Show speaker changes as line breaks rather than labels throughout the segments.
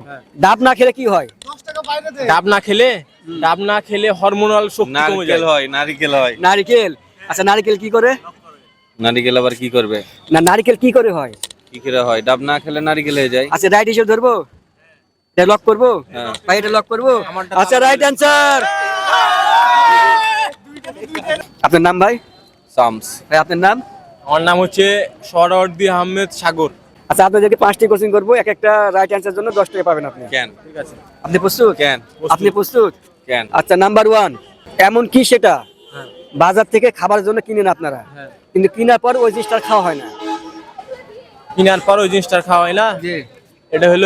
ডাব না খেলে কি হয়?
ডাব না খেলে হরমোনাল শক্তি কমে যায়।
নারকেল হয়।
নারকেল। আচ্ছা নারকেল কি করে?
নারকেল আবার কি করবে?
না নারকেল কি করে হয়?
কি করে হয়? ডাব না খেলে নারকেল হয়ে যায়।
আচ্ছা রাইট হিসেবে ধরবো, এটা লক করবো ভাই, এটা লক করবো। আচ্ছা রাইট অ্যান্সার। আপনার নাম ভাই?
শামস।
ভাই আপনার নাম?
আমার নাম হচ্ছে সরওয়ার্দী আহমেদ সাগর।
আচ্ছা আপনাদেরকে 5টি কোশ্চেন করবো, এক একটা রাইট অ্যান্সার জন্য 10 টাকা পাবেন আপনি।
কেন?
ঠিক আছে,
আপনি প্রস্তুত?
কেন?
আপনি প্রস্তুত?
কেন?
আচ্ছা নাম্বার 1, এমন কি সেটা বাজার থেকে খাবার জন্য কিনেন আপনারা, কিন্তু কেনার পর ওই জিনিসটা খাওয়া হয় না?
কেনার পর ওই জিনিসটা খাওয়া হয় না,
জি।
এটা হলো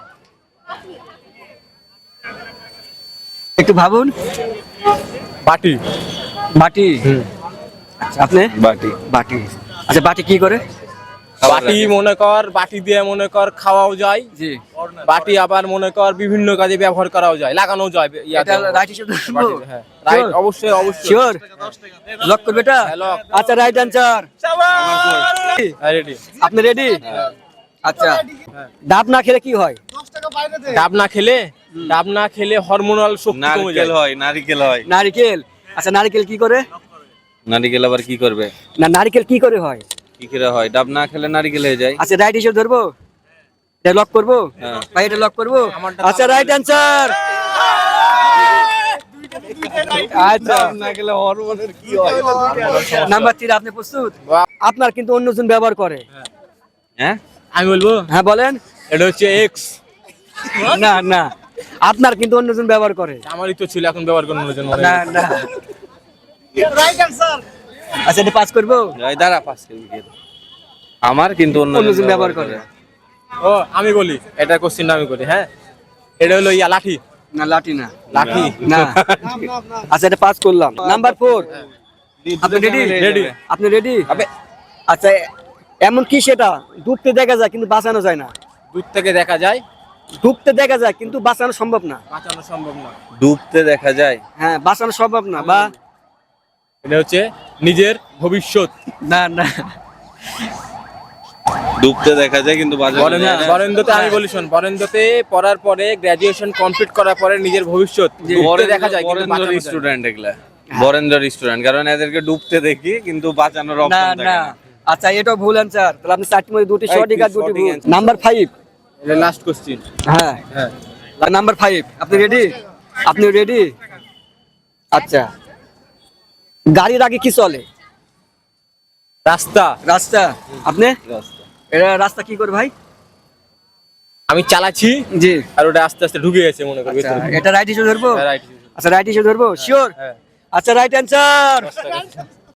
একটু ভাবুন।
বাটি।
বাটি। আচ্ছা আপনি?
বাটি।
বাটি। আচ্ছা বাটি কি করে?
বাটি মনে কর, বাটি দিয়ে মনে কর খাওয়াও যায়।
জি।
বাটি আবার মনে কর বিভিন্ন কাজে ব্যবহার করাও যায়, লাগানো যায়।
এটা রাইট হিসেবে ধরবো?
হ্যাঁ রাইট, অবশ্যই অবশ্যই।
শিওর? লক করবে এটা? আচ্ছা রাইট অ্যান্সার।
রেডি?
আপনি রেডি? আচ্ছা ডাব না খেলে কি হয়?
ডাব না খেলে হরমোনাল শক্তি কমে যায়।
নারকেল হয়।
নারকেল। আচ্ছা নারকেল কি করে?
নারকেল আবার কি করবে?
না নারকেল কি করে হয়?
কি করে হয়? ডাব না খেলে নারকেল হয়ে যায়।
আচ্ছা রাইট হিসেবে ধরবো, এটা লক করবো ভাই, এটা লক করবো। আচ্ছা রাইট অ্যান্সার। আচ্ছা
না খেলে হরমোনের কি হয়?
নাম্বার 3, আপনি প্রস্তুত? আপনার কিন্তু অন্যজন ব্যবহার করে।
হ্যাঁ?
আমি বলবো,
হ্যাঁ বলেন।
এটা হচ্ছে এক্স।
না না, আপনার কিন্তু অন্যজন ব্যবহার করে।
আমারই তো ছিল, এখন ব্যবহার করার জন্য।
না না। আচ্ছা এটা পাস করবো?
দাঁড়া, পাস করবি কেন? আমার কিন্তু
অন্যজন ব্যবহার করে।
ও আমি বলি, এটা কোশ্চেনটা আমি করি। হ্যাঁ, এটা হলো লাঠি।
না লাঠি না।
লাঠি
না। আচ্ছা এটা পাস করলাম। নাম্বার 4, আপনি রেডি?
রেডি।
আপনি রেডি? আচ্ছা এমন কি সেটা ডুবতে দেখা যায় কিন্তু বাঁচানো যায় না?
দূর থেকে দেখা যায়,
ডুবতে দেখা যায় কিন্তু বাঁচানো সম্ভব না।
বাঁচানো সম্ভব না।
ডুবতে দেখা যায়।
হ্যাঁ বাঁচানো সম্ভব না। বা
এটা হচ্ছে নিজের ভবিষ্যৎ।
না না।
ডুবতে দেখা যায় কিন্তু বাজারে যায় না।
বরেন্দ্রতে আমি বলি শোন, বরেন্দ্রতে পড়ার পরে গ্রাজুয়েশন কমপ্লিট করার পরে নিজের ভবিষ্যৎ ডুবতে দেখা যায় কিন্তু
বরেন্দ্র
বাঁচানো যায় না।
স্টুডেন্ট এগুলা। বরেন্দ্র স্টুডেন্ট, কারণ এদেরকে ডুবতে দেখি কিন্তু বাঁচানোর
না
অপশন থাকে
না।
না।
আচ্ছা এটাও ভুল অ্যান্সার। তাহলে আপনি 4টির মধ্যে 2টি সঠিক আর 2টি ভুল।
answer।
নাম্বার 5।
এটা লাস্ট কোশ্চেন।
হ্যাঁ
হ্যাঁ,
নাম্বার 5, আপনি রেডি? আপনি রেডি? আচ্ছা গাড়ির আগে কি চলে?
রাস্তা।
রাস্তা। আপনি? এটা রাস্তা কি করে ভাই?
আমি চালাচ্ছি
জি।
আর ওটা আস্তে আস্তে ঢুকে গেছে মনে করি
আচ্ছা
ভেতরে।
এটা রাইট হিসেবে ধরবো?
হ্যাঁ, right.
আচ্ছা রাইট হিসেবে ধরবো? শিওর?
হ্যাঁ।
আচ্ছা রাইট অ্যান্সার।